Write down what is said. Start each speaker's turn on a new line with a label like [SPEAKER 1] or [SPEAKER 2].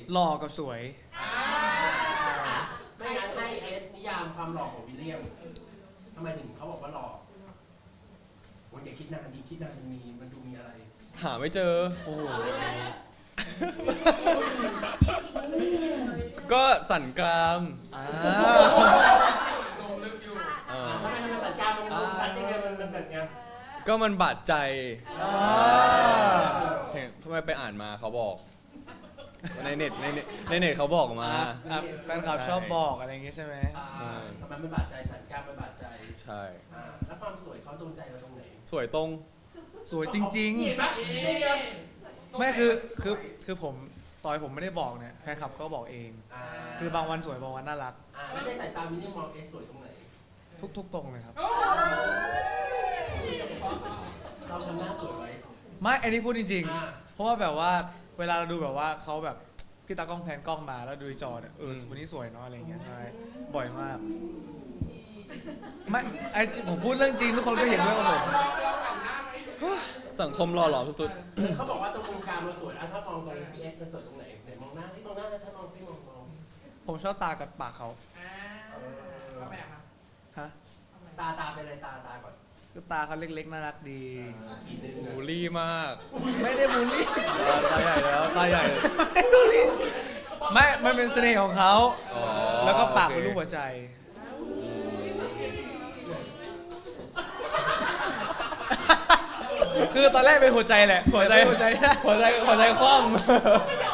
[SPEAKER 1] หล่อกับสวย
[SPEAKER 2] ไม่งั้นให้เอสนิยามความหล่อของวิลเลียมทำไมถึงเขาบอกว่าหล่อโอ้ยอย่าคิดนานดีคิดนานมันดูมีอะไร
[SPEAKER 3] หาไม่เจอ
[SPEAKER 1] โอ้โห
[SPEAKER 3] ก็สันกราม
[SPEAKER 2] ทำไมสัญญามันลงชัดยังไงมันแบบไง
[SPEAKER 3] ก็มันบาดใจเห็นทำไมไปอ่านมาเขาบอกในเน็ตเขาบอกมา
[SPEAKER 1] แฟนคลับชอบบอกอะไรอย่างงี้ใช่ไหม
[SPEAKER 2] ทำไมมันบาดใจสัญญามันบาดใจ
[SPEAKER 3] ใช่
[SPEAKER 2] แล้วความสวยเขาโดนใจเราตรงไหน
[SPEAKER 3] สวยตรง
[SPEAKER 1] สวยจริงๆ
[SPEAKER 2] เห็นไหม
[SPEAKER 1] ไม่คือผมตอนผมไม่ได้บอกเนี่ยแฟนคลับก็บอกเองคือบางวันสวยบางวันน่ารัก
[SPEAKER 2] แล้วในสายตาวิลเลียมมองเอสสวยตรงไหน
[SPEAKER 1] ทุกตรงเลยครับ
[SPEAKER 2] เราทำหน้าสวยไว้
[SPEAKER 1] ไม่อันนี้พูดจริงๆเพราะว่าแบบว่าเวลาเราดูแบบว่าเขาแบบพี่ตากล้องแพนกล้องมาแล้วดูจอเนี่ยวันนี้สวยเนาะอะไรอย่างเงี้ยใช่บ่อยมากไม่ไอผมพูดเรื่องจริงทุกคนก็เห็นด้วยกับผม
[SPEAKER 3] สังคมหล่อหลอมสุด
[SPEAKER 2] ๆเขาบอกว่าตรงมุมกลางมันสวยถ้ามองตรงพีเอสมันสวยตรงไหนไหนมองหน้าที่มองหน้าแล้วฉันมองที่มอง
[SPEAKER 1] ผมชอบตากับปากเขาฮะ
[SPEAKER 2] ตาเป็นอะไรตาก่อน
[SPEAKER 1] คือตาเขาเล็กๆน่ารักดี
[SPEAKER 3] บูลลี่มาก
[SPEAKER 1] ไม่ได้บูลลี่
[SPEAKER 3] ตาใหญ่แล้วตาใหญ่
[SPEAKER 1] ไม่บูลลี่ไม่มันเป็นเสน่ห์ของเขาแล้วก็ปากเป็นรูปหัวใจคือตอนแรกเป็นหัวใจแหละหัวใจคว่ำ